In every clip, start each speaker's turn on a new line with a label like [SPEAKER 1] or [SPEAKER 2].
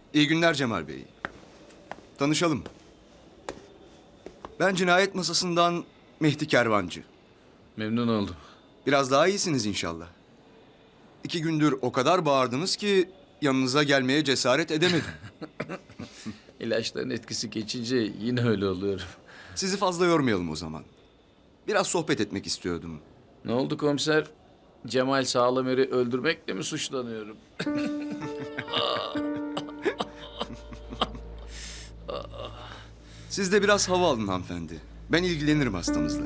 [SPEAKER 1] İyi günler Cemal Bey. Tanışalım. Ben cinayet masasından Mehdi Kervancı.
[SPEAKER 2] Memnun oldum.
[SPEAKER 1] Biraz daha iyisiniz inşallah. 2 gündür o kadar bağırdınız ki yanınıza gelmeye cesaret edemedim.
[SPEAKER 2] İlaçların etkisi geçince yine öyle oluyorum.
[SPEAKER 1] Sizi fazla yormayalım o zaman. Biraz sohbet etmek istiyordum.
[SPEAKER 2] Ne oldu komiser? Cemal Sağlamer'i öldürmekle mi suçlanıyorum?
[SPEAKER 1] Siz de biraz hava alın hanımefendi. Ben ilgilenirim hastamızla.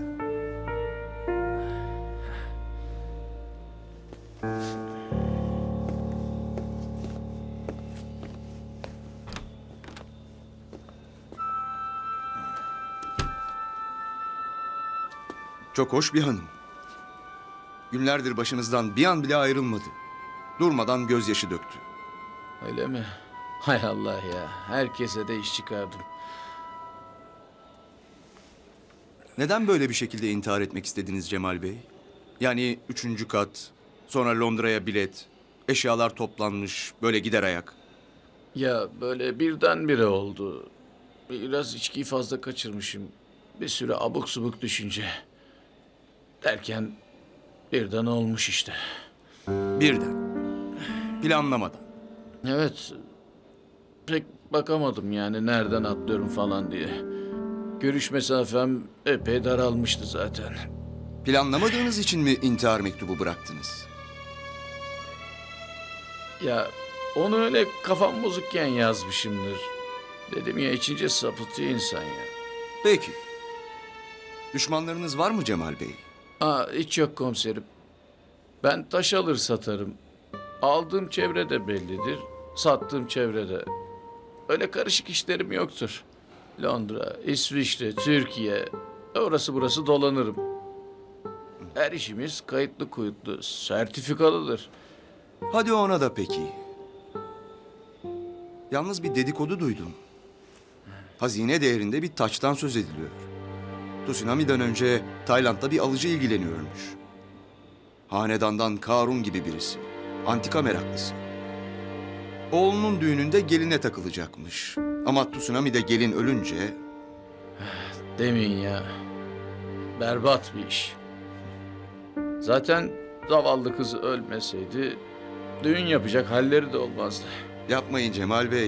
[SPEAKER 1] Çok hoş bir hanım. Günlerdir başınızdan bir an bile ayrılmadı. Durmadan gözyaşı döktü.
[SPEAKER 2] Öyle mi? Hay Allah ya. Herkese de iş çıkardım.
[SPEAKER 1] Neden böyle bir şekilde intihar etmek istediniz Cemal Bey? Yani 3. kat, sonra Londra'ya bilet, eşyalar toplanmış, böyle gider ayak.
[SPEAKER 2] Ya böyle birdenbire oldu. Biraz içkiyi fazla kaçırmışım. Bir süre abuk subuk düşünce. Derken birden olmuş işte.
[SPEAKER 1] Birden. Planlamadan.
[SPEAKER 2] Evet. Pek bakamadım yani nereden atlıyorum falan diye. Görüş mesafem epey daralmıştı zaten.
[SPEAKER 1] Planlamadığınız için mi intihar mektubu bıraktınız?
[SPEAKER 2] Ya onu öyle kafam bozukken yazmışımdır. Dedim ya içince sapıtıyor insan ya.
[SPEAKER 1] Peki. Düşmanlarınız var mı Cemal Bey?
[SPEAKER 2] Hiç yok komiserim. Ben taş alır satarım. Aldığım çevre de bellidir. Sattığım çevrede. Öyle karışık işlerim yoktur. Londra, İsviçre, Türkiye. Orası burası dolanırım. Her işimiz kayıtlı kuyutlu, sertifikalıdır.
[SPEAKER 1] Hadi ona da peki. Yalnız bir dedikodu duydum. Hazine değerinde bir taçtan söz ediliyor. Tsunami'den önce Tayland'da bir alıcı ilgileniyormuş. Hanedandan Karun gibi birisi. Antika meraklısı. Oğlunun düğününde geline takılacakmış. Ama Tsunami'de gelin ölünce
[SPEAKER 2] Demeyin ya. Berbat bir iş. Zaten zavallı kız ölmeseydi düğün yapacak halleri de olmazdı.
[SPEAKER 1] yapmayın Cemal Bey.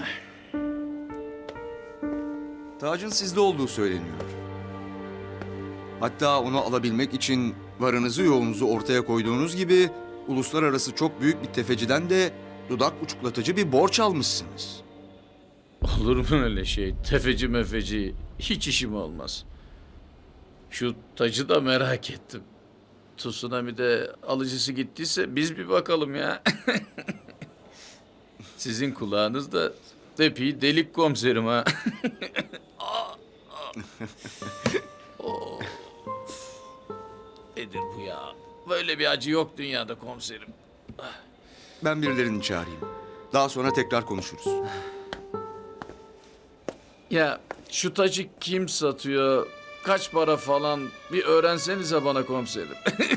[SPEAKER 1] Tacın sizde olduğu söyleniyor. Hatta onu alabilmek için varınızı yoğunuzu ortaya koyduğunuz gibi uluslararası çok büyük bir tefeciden de dudak uçuklatıcı bir borç almışsınız.
[SPEAKER 2] Olur mu öyle şey? Tefeci mefeci hiç işim olmaz. Şu tacı da merak ettim. Tsunami'de alıcısı gittiyse biz bir bakalım ya. Sizin kulağınız da epey delik komiserim ha. Oh. Nedir bu ya? Böyle bir acı yok dünyada komiserim.
[SPEAKER 1] Ben birilerini çağırayım. Daha sonra tekrar konuşuruz.
[SPEAKER 2] Ya şu tacı kim satıyor? Kaç para falan bir öğrensenize bana komiserim.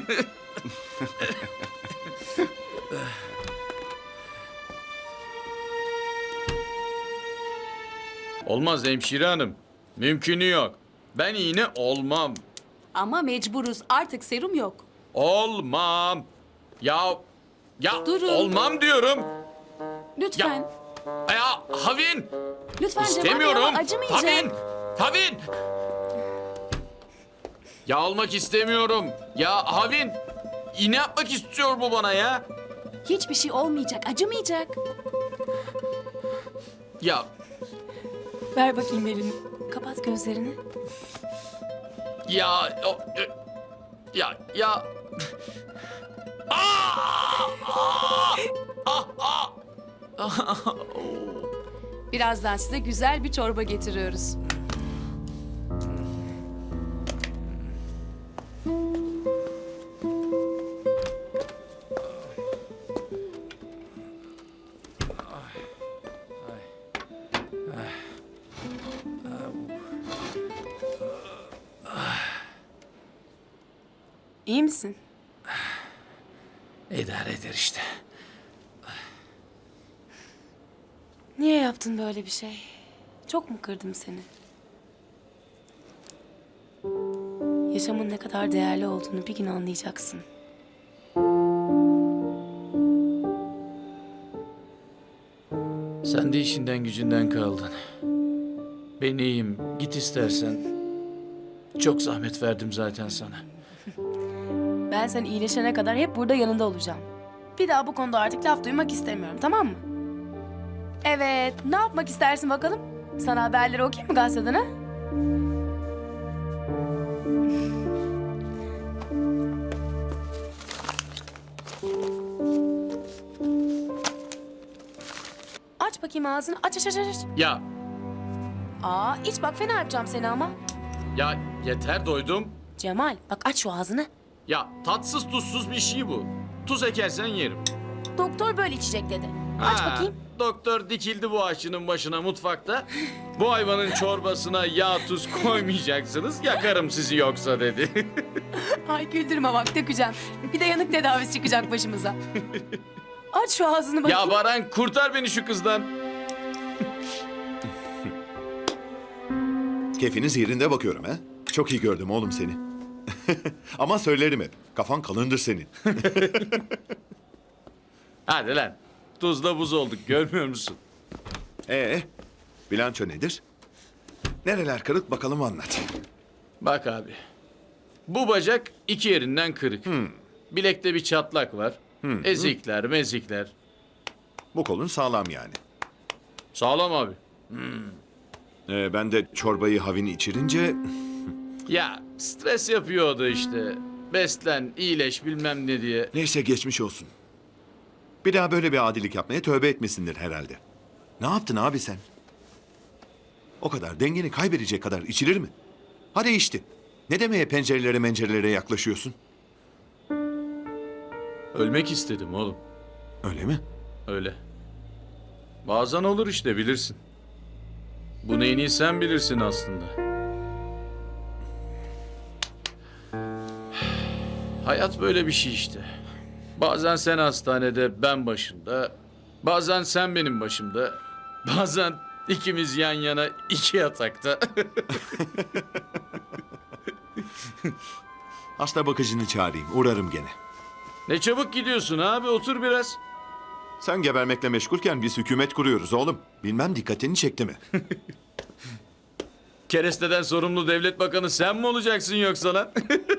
[SPEAKER 2] Olmaz hemşire hanım. Mümkünü yok. Ben iğne olmam.
[SPEAKER 3] Ama mecburuz. Artık serum yok.
[SPEAKER 2] Olmam. Ya
[SPEAKER 3] Durun.
[SPEAKER 2] olmam diyorum.
[SPEAKER 3] Lütfen.
[SPEAKER 2] Ya Havin.
[SPEAKER 3] Lütfen Cemal Bey
[SPEAKER 2] İstemiyorum.
[SPEAKER 3] ama acımayacak.
[SPEAKER 2] Havin. Havin. Ya almak istemiyorum. Ya Havin. İğne yapmak istiyor bu bana ya.
[SPEAKER 3] Hiçbir şey olmayacak. Acımayacak.
[SPEAKER 2] Ya
[SPEAKER 3] Ver bakayım elini. Kapat gözlerini.
[SPEAKER 2] ya ya.
[SPEAKER 3] Birazdan size güzel bir çorba getiriyoruz. İyi misin?
[SPEAKER 2] İdare eder işte.
[SPEAKER 4] Niye yaptın böyle bir şey? Çok mu kırdım seni? Yaşamın ne kadar değerli olduğunu bir gün anlayacaksın.
[SPEAKER 2] Sen de işinden gücünden kaldın. Ben iyiyim. Git istersen. Çok zahmet verdim zaten sana.
[SPEAKER 4] Ben sen iyileşene kadar hep burada yanında olacağım. Bir daha bu konuda artık laf duymak istemiyorum, tamam mı? Evet, ne yapmak istersin bakalım? Sana haberleri okuyayım mı gazeteden ha? Aç bakayım ağzını. Aç.
[SPEAKER 2] Ya,
[SPEAKER 4] İç bak fena yapacağım seni ama.
[SPEAKER 2] ya yeter doydum.
[SPEAKER 4] Cemal bak aç şu ağzını.
[SPEAKER 2] Ya tatsız tuzsuz bir şey bu. Tuz ekersen yerim.
[SPEAKER 4] Doktor böyle içecek dedi. Aç
[SPEAKER 2] Ha,
[SPEAKER 4] bakayım.
[SPEAKER 2] Doktor dikildi bu aşçının başına mutfakta. Bu hayvanın çorbasına yağ tuz koymayacaksınız. Yakarım sizi yoksa dedi.
[SPEAKER 4] Ay güldürme bak dökeceğim. Bir de yanık tedavisi çıkacak başımıza. Aç şu ağzını bakayım.
[SPEAKER 2] Ya Baran kurtar beni şu kızdan.
[SPEAKER 5] Keyfiniz yerinde bakıyorum ha. Çok iyi gördüm oğlum seni. Ama söylerim hep. Kafan kalındır senin.
[SPEAKER 2] Hadi lan. Tuzla buz olduk görmüyor musun?
[SPEAKER 5] Bilanço nedir? Nereler kırık bakalım anlat.
[SPEAKER 2] Bak abi. Bu bacak iki yerinden kırık. Bilekte bir çatlak var. Ezikler, mezikler.
[SPEAKER 5] Bu kolun sağlam yani.
[SPEAKER 2] Sağlam abi.
[SPEAKER 5] Ben de çorbayı havini içirince...
[SPEAKER 2] Ya stres yapıyordu işte. Beslen, iyileş bilmem ne diye.
[SPEAKER 5] Neyse geçmiş olsun. Bir daha böyle bir adilik yapmaya tövbe etmesindir herhalde. Ne yaptın abi sen? O kadar dengeni kaybedecek kadar içilir mi? Hadi içti. Ne demeye pencerelere yaklaşıyorsun?
[SPEAKER 2] Ölmek istedim oğlum.
[SPEAKER 5] Öyle mi?
[SPEAKER 2] Öyle. Bazen olur işte bilirsin. Bunu en iyi sen bilirsin aslında. Hayat böyle bir şey işte. Bazen sen hastanede, ben başında. Bazen sen benim başımda. Bazen ikimiz yan yana iki yatakta.
[SPEAKER 5] Hasta bakıcını çağırayım. Uğrarım gene.
[SPEAKER 2] Ne çabuk gidiyorsun abi, otur biraz.
[SPEAKER 5] Sen gebermekle meşgulken biz hükümet kuruyoruz oğlum. Bilmem dikkatini çekti mi?
[SPEAKER 2] Keresteden sorumlu devlet bakanı sen mi olacaksın yoksa lan?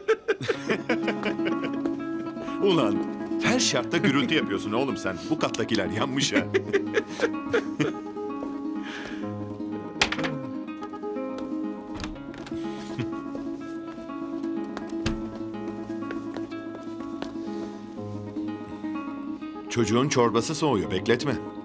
[SPEAKER 5] Ulan her şartta gürültü yapıyorsun oğlum sen. Bu kattakiler yanmış ha. Çocuğun çorbası soğuyor. Bekletme.